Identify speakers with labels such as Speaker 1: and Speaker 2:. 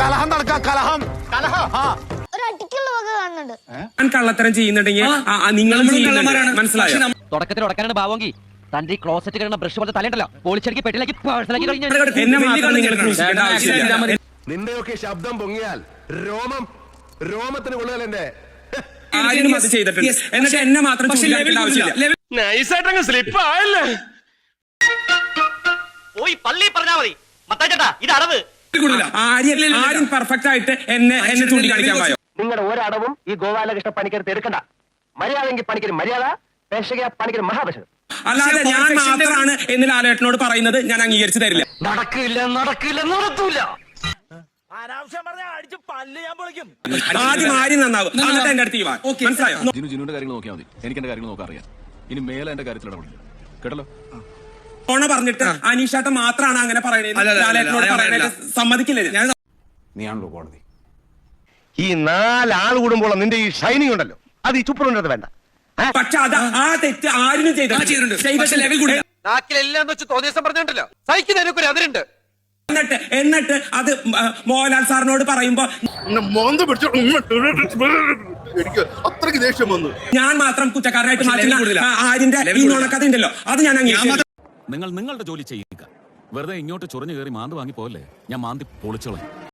Speaker 1: കലഹം നടക്കാം, കലഹം.
Speaker 2: ഒരു അടിക്കുള്ള വക കാണുന്നുണ്ട്.
Speaker 3: ഞാൻ കള്ളത്തരം ചെയ്യുന്നുണ്ടെങ്കിൽ നിങ്ങളും മനസ്സിലായോ?
Speaker 4: തുടക്കത്തിൽ ഉടക്കാനാണ് ഭാവമെങ്കിൽ തന്റെ ഈ ക്ലോസറ്റ് കിടന്ന ബ്രഷ് പോലത്തെ തലയുണ്ടല്ലോ പോളിച്ചടിക്ക് പെട്ടിലാക്കി പേഴ്സണലാക്കി കഴിഞ്ഞു.
Speaker 3: എന്നെ മാത്രം നിങ്ങൾ ക്രൂശിക്കേണ്ട ആവശ്യമില്ല.
Speaker 5: നിന്റെയൊക്കെ ശബ്ദം പൊങ്ങിയാൽ രോമത്തിന് കൊള്ളുകയല്ല എന്റെ
Speaker 3: ആരും അത് ചെയ്തിട്ടുണ്ട്. എന്നിട്ട് എന്നെ മാത്രം ആവശ്യമില്ല.
Speaker 5: നൈസായിട്ടങ്ങ് സ്ലിപ്പ് ആയല്ലേ.
Speaker 4: പോയി പള്ളി പറഞ്ഞാ മതി മത്താച്ചേട്ടാ, ഇത് അടവ്.
Speaker 3: ആരും പെർഫെക്റ്റ് ആയിട്ട് എന്നെ ചൂണ്ടിക്കാണിക്കാൻ പോയോ?
Speaker 4: നിങ്ങളുടെ ഒരടവും ഈ ഗോപാലകൃഷ്ണ പണിക്കരുത്ത് എടുക്കണ്ട. മര്യാദയെങ്കിൽ പണിക്കര് മര്യാദ, പേശക പണിക്കര് മഹാപേശകം.
Speaker 3: അല്ലാതെ ഞാൻ മാത്രമാണ് എന്ന് ലാലേട്ടനോട് പറയുന്നത് ഞാൻ അംഗീകരിച്ചു തരില്ല.
Speaker 4: നടക്കൂല.
Speaker 3: ആദ്യം ആരും നന്നാവും, എന്നിട്ട് എന്റെ അടുത്ത് മനസ്സിലായോ?
Speaker 6: ജിനുവിന്റെ കാര്യങ്ങൾ നോക്കിയാൽ മതി. എനിക്ക് എന്റെ കാര്യങ്ങൾ നോക്കാൻ അറിയാം. ഇനി മേലെ എന്റെ കാര്യത്തിൽ ഇടപെടില്ല. കേട്ടല്ലോ?
Speaker 3: ഓണ പറഞ്ഞിട്ട് അനീഷാട്ട മാത്രമാണ് അങ്ങനെ പറയുന്നത്. ലാലേട്ടനോട് പറയാനായിട്ട് സമ്മതിക്കില്ല ഞാൻ.
Speaker 1: നീയാണല്ലോ കോടതി.
Speaker 5: ഈ 4 ആൾ കൂടുമ്പോൾ നിന്റെ ഈ ഷൈനിങ് ഉണ്ടല്ലോ, അത് ഈ ചുപ്പറുണ്ടത് വേണ്ട.
Speaker 3: പക്ഷെ അത് ആ തെറ്റ് ആരും ചെയ്തിട്ടുണ്ട്.
Speaker 7: നാക്കിലെല്ലാം വെച്ച് തോന്നിയ ദിവസം പറഞ്ഞിട്ടുണ്ടല്ലോ, സഹിക്കുന്നതിനൊക്കെ അതിരുണ്ട്.
Speaker 3: എന്നിട്ട് അത് മോഹൻലാൽ സാറിനോട് പറയുമ്പോ
Speaker 5: എനിക്ക് അത്രയ്ക്ക് ദേഷ്യം വന്നു.
Speaker 3: ഞാൻ മാത്രം കുറ്റക്കാരനായിട്ട് മാറ്റുന്ന ആരിന്റെ ഈ നുണക്കഥ ഉണ്ടല്ലോ, അത് ഞാൻ അംഗീകരിച്ചു.
Speaker 6: നിങ്ങൾ നിങ്ങളുടെ ജോലി ചെയ്യുക. വെറുതെ ഇങ്ങോട്ട് ചൊറിഞ്ഞു കയറി മാന്തി വാങ്ങി പോകല്ലേ. ഞാൻ മാന്തി പൊളിച്ചോളാം.